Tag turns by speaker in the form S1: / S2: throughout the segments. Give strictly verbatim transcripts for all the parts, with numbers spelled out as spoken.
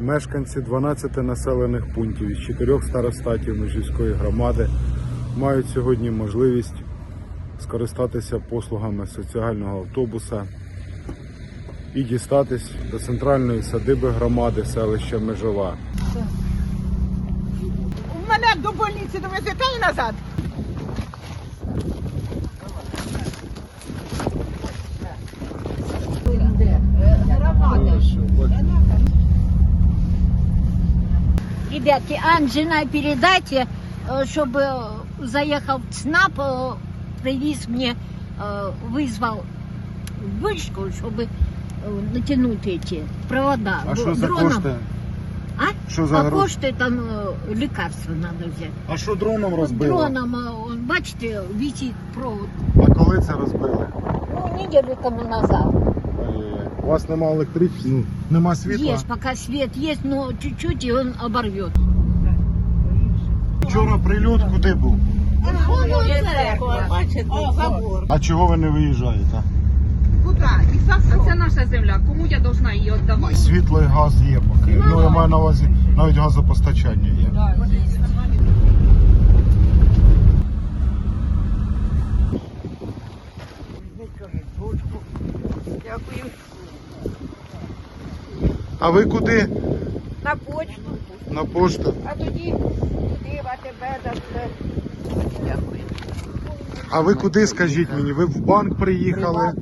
S1: Мешканці дванадцяти населених пунктів із чотирьох старостатів Межівської громади мають сьогодні можливість скористатися послугами соціального автобуса і дістатись до центральної садиби громади селища Межова.
S2: Мене до больниці довезете і назад.
S3: Ребятки, Анжина, передайте, чтобы заехал ЦНАП, привез мне, вызвал вышку, чтобы натянуть эти провода.
S1: А що за
S3: Дроном.
S1: кошти?
S3: А?
S1: Що за
S3: а
S1: гроші?
S3: кошти там лекарства надо взять.
S1: А що дроном розбило?
S3: Дроном, бачите, висит провод.
S1: А коли це розбили?
S3: Ну, неделю тому назад.
S1: У вас немає електричності, ну, нема світла?
S3: Есть, пока свет есть, но чуть-чуть и он оборвет.
S1: Вчора прильот куди був?
S2: О, забор.
S1: А чого ви не виїжджаєте?
S2: Куди? І за що?
S4: Це наша земля, кому я должна її віддавати?
S1: Світло і газ є поки. Ну, я маю на увазі, навіть газопостачання є.
S2: Дякую.
S1: А ви куди?
S2: На почту.
S1: На пошту.
S2: А тоді туди, в АТБ, дасте. Дякую.
S1: А ви куди, скажітіть мені? Ви в банк приїхали?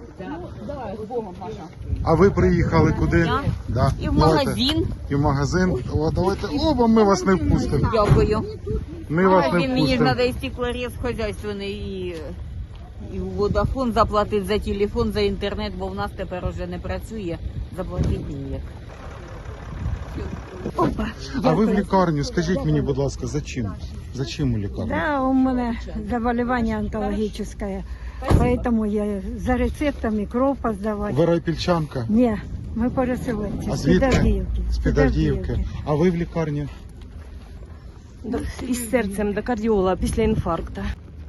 S1: А ви приїхали куди?
S4: Я?
S1: Да.
S4: І в
S1: Давайте.
S4: магазин.
S1: І в магазин. О, давайте. О, бо ми вас не впустимо.
S4: Дякую.
S1: Ми вас не
S4: Магазин, мені ж
S1: впустимо.
S4: треба і стеклорез хозяйственний, і, і Водафон заплатити за телефон, за інтернет, бо в нас тепер вже не працює. Заплатити ніяк.
S1: А ви в лікарню, скажіть мені, будь ласка, за чим? За чим у лікарню?
S5: Да, у меня заболевание онкологическое, поэтому я за рецептами кровь поздавать.
S1: Ви райпільчанка?
S5: Не, мы переселенці,
S1: А
S5: з
S1: звідки?
S5: Підавдіївки.
S1: З Підавдіївки. А ви в лікарні?
S6: Із серцем до кардіолога після інфаркту.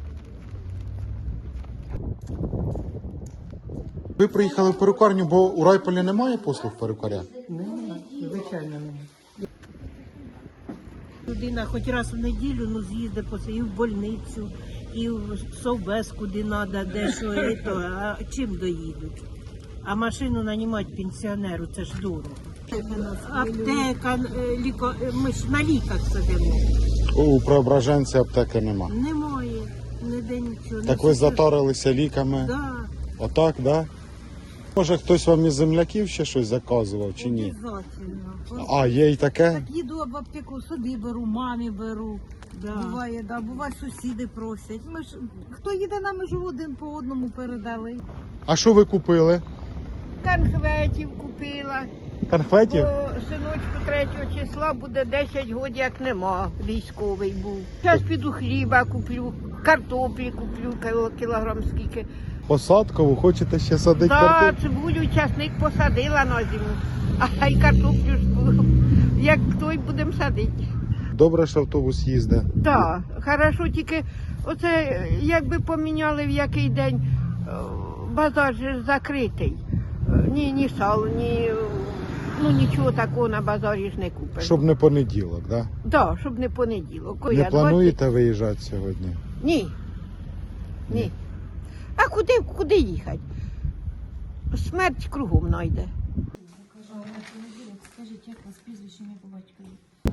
S1: Ви приїхали в перукарню, бо у Райполі немає послуг перукаря?
S2: Звичайно, немає. Людина хоч раз в неділю ну, з'їздить по і в больницю, і в совбез, куди треба, де що, і то. А чим доїдуть? А машину нанімати пенсіонеру, це ж дорого. Аптека, е, ліко... е, ми ж на ліках сидимо.
S1: У Преображенці аптеки нема.
S2: Немає, ніде нічого.
S1: Так ви затарилися ліками?
S2: Да,
S1: Отак, да? Може хтось вам із земляків ще щось заказував чи ні?
S2: обов'язково.
S1: А, є і таке?
S2: Так їду в аптеку, собі беру, мамі беру. Да. Буває, да, буває сусіди просять. Ми ж, хто їде на межу, один по одному передали.
S1: А що ви купили?
S2: Конхветів купила,
S1: Конфетів?
S2: бо синочку третього числа буде десять років, як нема, військовий був. Зараз піду хліба куплю, картоплі куплю, кіло- кілограм скільки.
S1: Посадкову? Хочете ще садити
S2: Да,
S1: картоплю?
S2: цибулю, часник посадила на зиму, а й картоплю ж, як той будемо садити.
S1: Добре, що автобус їздить.
S2: Так, хорошо, тільки оце якби поміняли в який день, е, базар же ж закритий. Е, Ні, ні сал, ні, ну нічого такого на базарі ж не купиш.
S1: Щоб не понеділок, да?
S2: Так, щоб не понеділок. Ой,
S1: Не
S2: я
S1: плануєте виїжджати сьогодні?
S2: двадцять Ні. Ні. А куди, куди їхати? Смерть кругом знайде.
S7: Скажіть, як вас прізвище ім'я по батькові?